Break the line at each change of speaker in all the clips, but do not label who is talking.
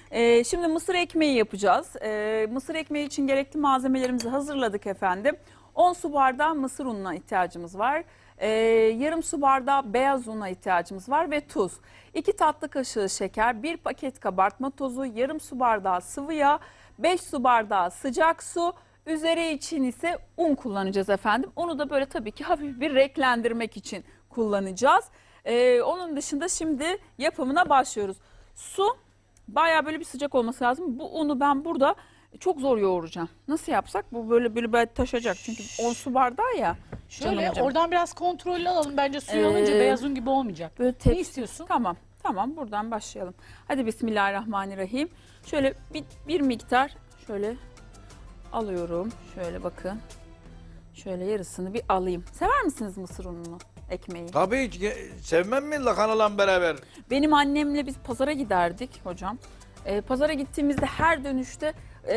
Şimdi mısır ekmeği yapacağız. Mısır ekmeği için gerekli malzemelerimizi hazırladık efendim. 10 su bardağı mısır ununa ihtiyacımız var. Yarım su bardağı beyaz una ihtiyacımız var ve tuz. 2 tatlı kaşığı şeker, 1 paket kabartma tozu, yarım su bardağı sıvı yağ, 5 su bardağı sıcak su. Üzeri için ise un kullanacağız efendim. Onu da böyle tabii ki hafif bir renklendirmek için kullanacağız. Onun dışında şimdi yapımına başlıyoruz. Su bayağı böyle bir sıcak olması lazım. Bu unu ben burada çok zor yoğuracağım. Nasıl yapsak? Bu böyle taşacak. Çünkü 10 su bardağı ya.
Şöyle
Canım hocam.
oradan biraz kontrollü alalım. Bence suyu alınca beyaz un gibi olmayacak.
Böyle
Ne
tepsi.
istiyorsun?
Tamam buradan başlayalım. Hadi bismillahirrahmanirrahim. Şöyle bir miktar şöyle alıyorum. Şöyle bakın. Şöyle yarısını bir alayım. Sever misiniz mısır ununu, ekmeği?
Tabii hiç sevmem mi lahanalan beraber?
Benim annemle biz pazara giderdik hocam. Pazara gittiğimizde her dönüşte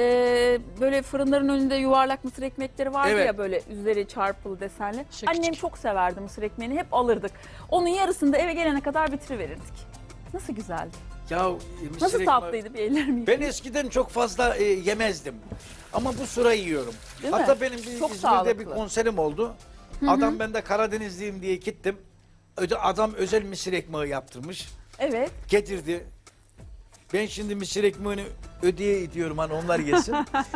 böyle fırınların önünde yuvarlak mısır ekmekleri vardı
Evet.
ya, böyle üzeri çarpılı desenli.
Şık
Annem
şık.
çok severdi mısır ekmeğini, hep alırdık. Onun yarısını da eve gelene kadar bitiriverirdik. Nasıl güzeldi.
Ya mısır
Nasıl
ekmeği-
tatlıydı, bir ellerimi
Ben eskiden çok fazla yemezdim. Ama bu sıra yiyorum.
Değil mi?
Hatta benim bir
Çok
İzmir'de
sağlıklı.
bir konserim oldu. Adam, ben de Karadenizliyim diye gittim. Adam özel mısır ekmeği yaptırmış.
Evet.
Getirdi. Ben şimdi mısır ekmeğini ödeye ediyorum, hani onlar yesin.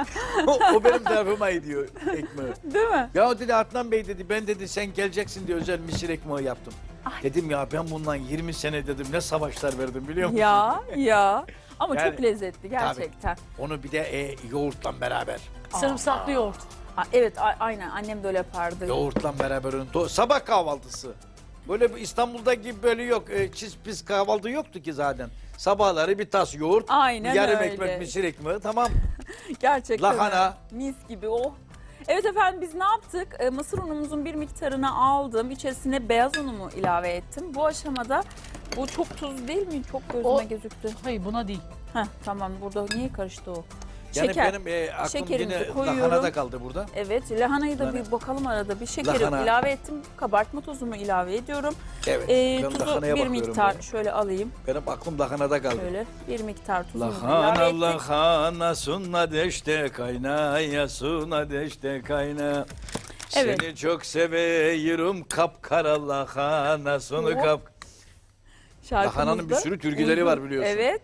o benim tarafıma ediyor ekmeği.
Değil mi?
Ya dedi Adnan Bey dedi, ben dedi sen geleceksin diye özel mısır ekmeği yaptım. Dedim ya ben bundan 20 sene dedim ne savaşlar verdim biliyor musun?
Ya. Ama
Yani,
çok lezzetli gerçekten.
Onu bir de yoğurtla beraber.
Sarımsaklı yoğurt.
Evet, aynen annem de öyle yapardı.
Yoğurtla beraber sabah kahvaltısı. Böyle İstanbul'da gibi böyle yok. Çiz pis kahvaltı yoktu ki zaten. Sabahları bir tas yoğurt,
Aynen
yarım
öyle.
ekmek mısır ekmeği, tamam.
Gerçekten
Lahana.
öyle. Mis gibi oh. Evet efendim, biz ne yaptık? Mısır unumuzun bir miktarını aldım. İçerisine beyaz unumu ilave ettim. Bu aşamada bu çok tuz değil mi? Çok gözüme
O-
gözüktü.
Hayır buna değil.
Tamam, burada niye karıştı o?
Yani
Şeker.
benim aklım
Şekerimizi
yine
koyuyorum.
lahanada kaldı burada.
Evet, lahanayı da
Yani-
bir bakalım arada. Bir şekeri
Lahana.
ilave ettim. Kabartma tozumu ilave ediyorum.
Evet. ben
Tuzu
lahanaya
bir
bakıyorum
miktar
böyle.
şöyle alayım.
Benim aklım lahanada kaldı.
Şöyle bir miktar tuzumu ilave
Lahana
ettik.
lahana sunna deşte kaynaya suna deşte kayna.
Evet.
Seni çok seviyorum kapkara lahana sunu
Hop.
kap.
Şarkımızda
Lahananın bir sürü türküleri
uygun.
var biliyorsun.
Evet.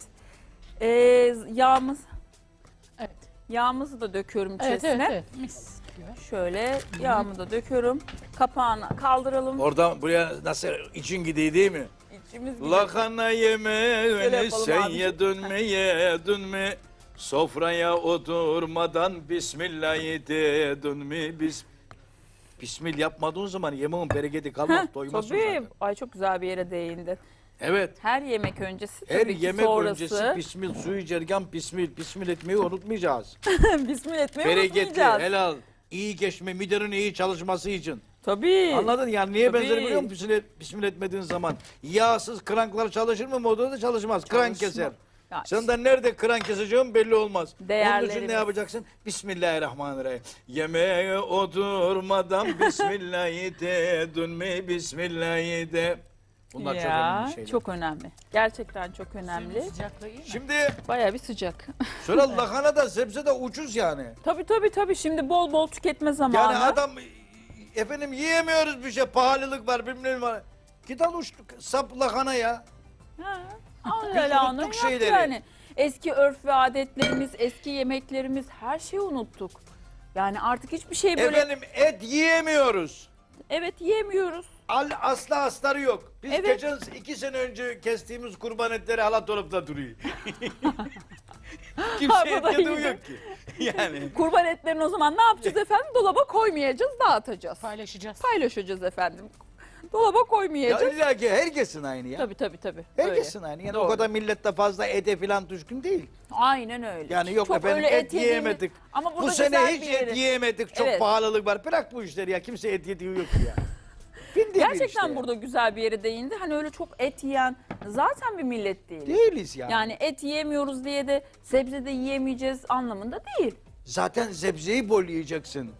Evet.
Yağımızı da döküyorum
Evet,
içerisine.
evet. Mis gibi.
Şöyle yağımı da döküyorum. Kapağını kaldıralım.
Oradan buraya nasıl için gidiyor değil mi?
İçimiz gidiyor.
Lahana
Şöyle
yemeğini
yapalım
sen
abicim.
yedin mi? Sofraya oturmadan Bismillah'ı dedin mi? Bismillah yapmadığın zaman yemeğin bereketi kalmaz,
Heh,
doymazsın
tabii.
zaten.
Ay, çok güzel bir yere değindi.
Evet.
Her yemek öncesi
Her
tabii ki
yemek
sonrası.
öncesi bismil, suyu içerken bismil etmeyi unutmayacağız.
Bismillah etmeyi
Bereketli,
unutmayacağız.
helal, iyi geçme, midenin iyi çalışması için.
Tabii.
Anladın yani niye
Tabii.
benzer biliyor musun? Bismil etmediğin zaman yağsız kranklar çalışır mı? Motorda çalışmaz. Kran
Çalışma.
keser.
Ya
Sen de nerede kran keseceğim belli olmaz. Onun için
Değerlerimiz.
ne yapacaksın? Bismillahirrahmanirrahim. Yemeğe oturmadan Bismillah'ı dedin mi? Bismillah'ı de. Bunlar çok önemli şeyler.
çok önemli. Gerçekten çok önemli.
Suyun sıcaklığı iyi mi?
Şimdi
Bayağı bir sıcak.
sonra lahana da sebze de ucuz yani.
Tabii. Şimdi bol bol tüketme zamanı.
Yani adam efendim yiyemiyoruz bir şey, pahalılık var bilmem var. Git al sap lahana ya.
Ha, al
Biz
öyle onu
unuttuk
yap
şeyleri.
yani. Eski örf ve adetlerimiz, eski yemeklerimiz, her şeyi unuttuk. Yani artık hiçbir şey böyle
Efendim et yiyemiyoruz.
evet yiyemiyoruz.
Asla astarı yok. Biz
Evet.
geçen 2 sene önce kestiğimiz kurban etleri hala dolapta duruyor. Kimse
Ha,
et
bu da
yediği
iyi.
yok ki. Yani.
Kurban etlerini o zaman ne yapacağız efendim? Dolaba koymayacağız, dağıtacağız.
Paylaşacağız.
Paylaşacağız efendim. Dolaba
Ya
koymayacağız.
illa ki herkesin aynı ya.
Tabii.
Herkesin aynı. Yani
Doğru.
o kadar millette fazla ete falan düşkün değil.
Aynen öyle.
Yani yok
Çok
efendim
öyle
et
yediğimiz-
yiyemedik.
Ama burada
Bu sene
güzel
hiç
bir yeri-
et yiyemedik. Çok
Evet.
pahalılık var. Bırak bu işleri ya. Kimse et yediği yok ya. Bildiğin bir
Gerçekten
işte
burada güzel bir yere değindi. Hani öyle çok et yiyen zaten bir millet değil.
değiliz ya.
Yani et yiyemiyoruz diye de sebze de yiyemeyeceğiz anlamında değil.
Zaten sebzeyi bol yiyeceksin.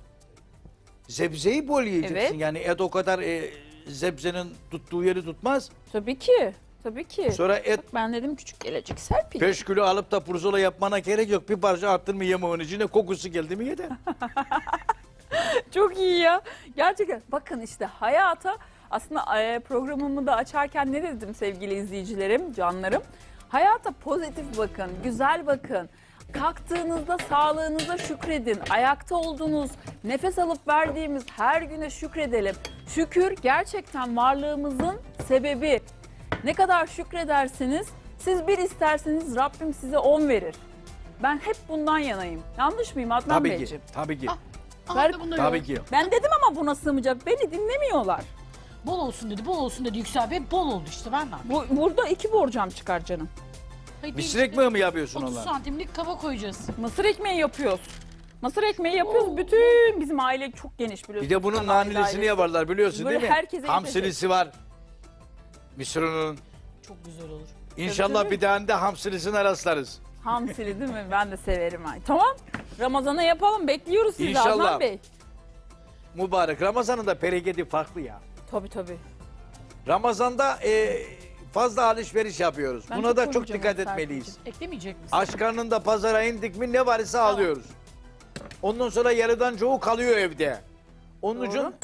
Sebzeyi bol yiyeceksin.
Evet.
Yani et o kadar sebzenin tuttuğu yeri tutmaz.
Tabii ki. Tabii ki.
Sonra et
Bak ben dedim küçük gelecek Serpil.
5 kilo alıp da pirzola yapmana gerek yok. Bir parça attın mı yemeğin içine, kokusu geldi mi yeter.
Çok iyi ya. Gerçekten bakın işte hayata aslında programımı da açarken ne dedim sevgili izleyicilerim, canlarım? Hayata pozitif bakın, güzel bakın. Kalktığınızda sağlığınıza şükredin. Ayakta olduğunuz, nefes alıp verdiğimiz her güne şükredelim. Şükür gerçekten varlığımızın sebebi. Ne kadar şükredersiniz, siz bir isterseniz Rabbim size 10 verir. Ben hep bundan yanayım. Yanlış mıyım Adnan
Tabii ki,
Beyciğim?
tabii ki,
Ver-
tabii ki.
Ben dedim ama buna sığmayacak. Beni dinlemiyorlar.
Bol olsun dedi, bol olsun dedi Yüksel Bey. Bol oldu işte, ben de.
Burada 2 borcam çıkar canım.
Hayır,
Mısır
bir
ekmeği mi yapıyorsun
30
onlar?
santimlik kaba koyacağız.
Mısır ekmeği yapıyoruz. Mısır ekmeği yapıyoruz. Bütün bizim aile çok geniş biliyorsunuz.
Bir de bunun
Kanal ailesi.
nanilisini yaparlar biliyorsun
Böyle
değil mi?
herkese
Hamsilisi var. Mısır'ın.
Çok güzel olur.
İnşallah
tabii.
bir tane de hamsilisine rastlarız.
Hamsili değil mi? Ben de severim. Ay. Tamam. Ramazan'a yapalım. Bekliyoruz sizi
İnşallah.
Adnan Bey.
Mübarek. Ramazan'ın da bereketi farklı ya.
Tabii tabii.
Ramazan'da fazla alışveriş yapıyoruz.
Ben
Buna
çok
da çok
korkacağım
dikkat
Serpil'cim.
etmeliyiz.
Eklemeyecek misin?
Aç karnında pazara indik mi ne varsa alıyoruz. Ondan sonra yarıdan çoğu kalıyor evde. Onun
Doğru.
için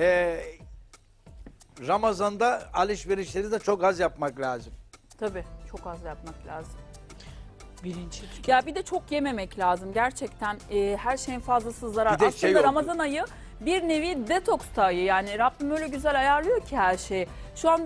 Ramazan'da alışverişleri de çok az yapmak lazım.
Tabii. Çok az yapmak lazım.
Birinci.
Ya bir de çok yememek lazım. Gerçekten her şeyin fazlası zarar.
Bir de
Aslında
şey oldu.
Ramazan ayı bir nevi detoks ayı. Yani Rabbim öyle güzel ayarlıyor ki her şeyi. Şu an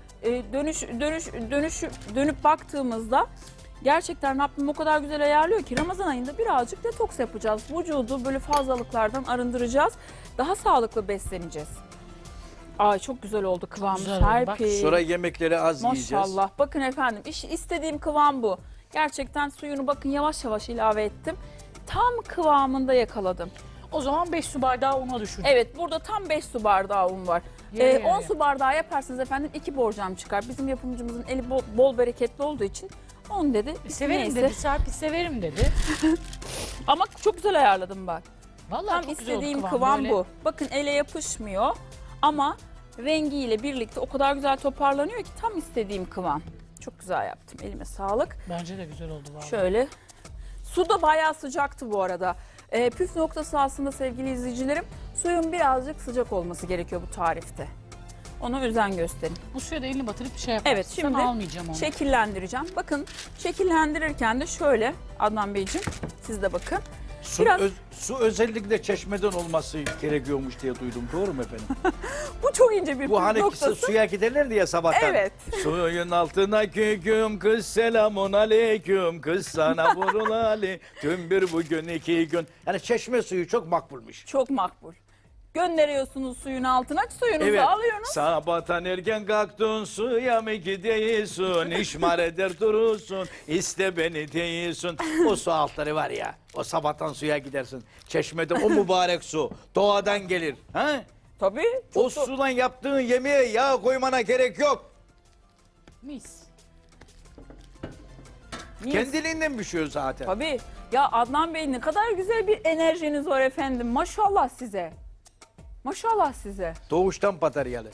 dönüp baktığımızda gerçekten Rabbim o kadar güzel ayarlıyor ki Ramazan ayında birazcık detoks yapacağız. Vücudu böyle fazlalıklardan arındıracağız. Daha sağlıklı besleneceğiz. Ay çok güzel oldu kıvamı
güzel oldu, bak.
Serpil.
Sonra yemekleri az yiyeceğiz.
Maşallah. Bakın efendim istediğim kıvam bu. Gerçekten suyunu bakın yavaş yavaş ilave ettim. Tam kıvamında yakaladım.
O zaman 5 su bardağı una düşün.
Evet burada tam 5 su bardağı un var.
Yarı yarıya.
10 su bardağı yaparsınız efendim 2 borcam çıkar. Bizim yapımcımızın eli bol bereketli olduğu için 10 dedi.
Severim
Neyse.
dedi, Serpil severim dedi.
Ama çok güzel ayarladım bak.
Vallahi
Tam
çok güzel oldu
istediğim
kıvam,
kıvam
böyle.
bu. Bakın ele yapışmıyor ama rengiyle birlikte o kadar güzel toparlanıyor ki tam istediğim kıvam. Çok güzel yaptım. Elime sağlık.
Bence de güzel oldu vallahi.
Şöyle. Su da bayağı sıcaktı bu arada. Püf noktası aslında sevgili izleyicilerim, suyun birazcık sıcak olması gerekiyor bu tarifte. Ona özen gösterin.
Bu suya da elini batırıp bir şey yaparsın.
Evet şimdi
Sana almayacağım onu.
şekillendireceğim. Bakın şekillendirirken de şöyle Adnan Beyciğim siz de bakın. Biraz-
Su özellikle çeşmeden olması gerekiyormuş diye duydum. Doğru mu efendim?
Bu çok ince bir
Bu
püf
hani
noktası.
suya giderlerdi ya sabahtan.
Evet.
Suyun altına küküm kız selamun aleyküm kız sana vurulali tüm bir bugün 2 gün. Yani çeşme suyu çok makbulmuş.
Çok makbul. Gönderiyorsunuz suyun altına, suyunuzu
Evet.
alıyorsunuz.
Sabahtan erken kalktın suya mı gidiyorsun? İşmar eder durursun. İste beni değilsin. O su altları var ya. O sabahtan suya gidersin. Çeşmede o mübarek su. Doğadan gelir. Ha?
Tabii.
O
Çok
sudan yaptığın yemeğe yağ koymana gerek yok.
Mis.
Mis.
Kendiliğinden pişiyor zaten.
Tabii. Ya Adnan Bey ne kadar güzel bir enerjiniz var efendim. Maşallah size. Maşallah size.
Doğuştan bataryalı.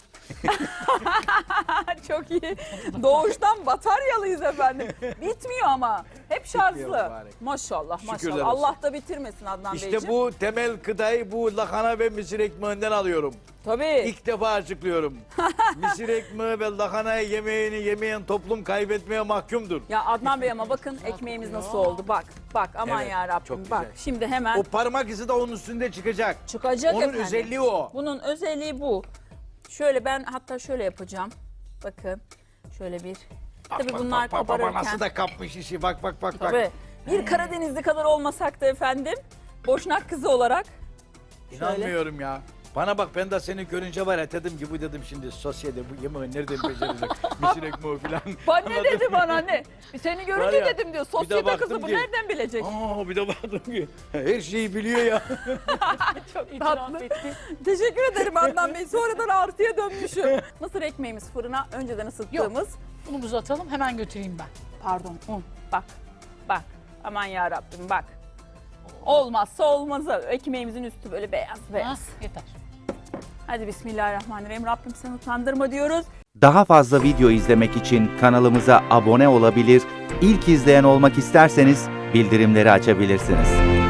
Çok iyi. Doğuştan bataryalıyız efendim. Bitmiyor ama. Hep şarjlı.
mübarek.
Maşallah
Şükürler
maşallah.
olsun.
Allah da bitirmesin Adnan
İşte
Beyciğim.
bu temel gıdayı bu lahana ve mısır ekmeğinden alıyorum.
Tabii.
İlk defa açıklıyorum. Mısır ekmeği ve lahanayı yemeğini yemeyen toplum kaybetmeye mahkumdur.
Ya Adnan Bey ama bakın ekmeğimiz nasıl oldu. Bak bak aman
Evet,
ya
çok
Rabbim
güzel.
bak. Şimdi hemen
O parmak izi de onun üstünde çıkacak.
çıkacak
Onun
efendim.
özelliği o.
Bunun özelliği bu. Şöyle ben hatta şöyle yapacağım. Bakın şöyle bir. Tabii bunlar kabarırken.
Nasıl da kapmış işi bak bak bak. bak.
Tabii. Bir Karadenizli kadar olmasak da efendim. Boşnak kızı olarak.
İnanmıyorum ya. Bana bak ben de seni görünce var ya dedim ki bu dedim şimdi sosyete bu yemeği nereden becerecek? Mısır ekmeği falan.
Bana ne
Anladın
dedi
mı?
bana ne? Seni görünce
Var ya,
dedim diyor.
bir de
Sosyete
baktım
kızı bu
ki-
nereden bilecek?
Aa bir de baktım ki her şeyi biliyor ya.
Çok
İtiraf
tatlı.
etti.
Teşekkür ederim Adnan Bey. Sonradan artıya dönmüşüm. Mısır ekmeğimiz fırına önceden ısıttığımız.
Unumuzu atalım, hemen götüreyim ben.
Pardon un. Bak. Bak. Aman ya Rabbim bak. Olmazsa olmazı. Ekmeğimizin üstü böyle beyaz beyaz.
Ha, yeter.
Hadi bismillahirrahmanirrahim. Rabbim seni utandırma diyoruz.
Daha fazla video izlemek için kanalımıza abone olabilir, ilk izleyen olmak isterseniz bildirimleri açabilirsiniz.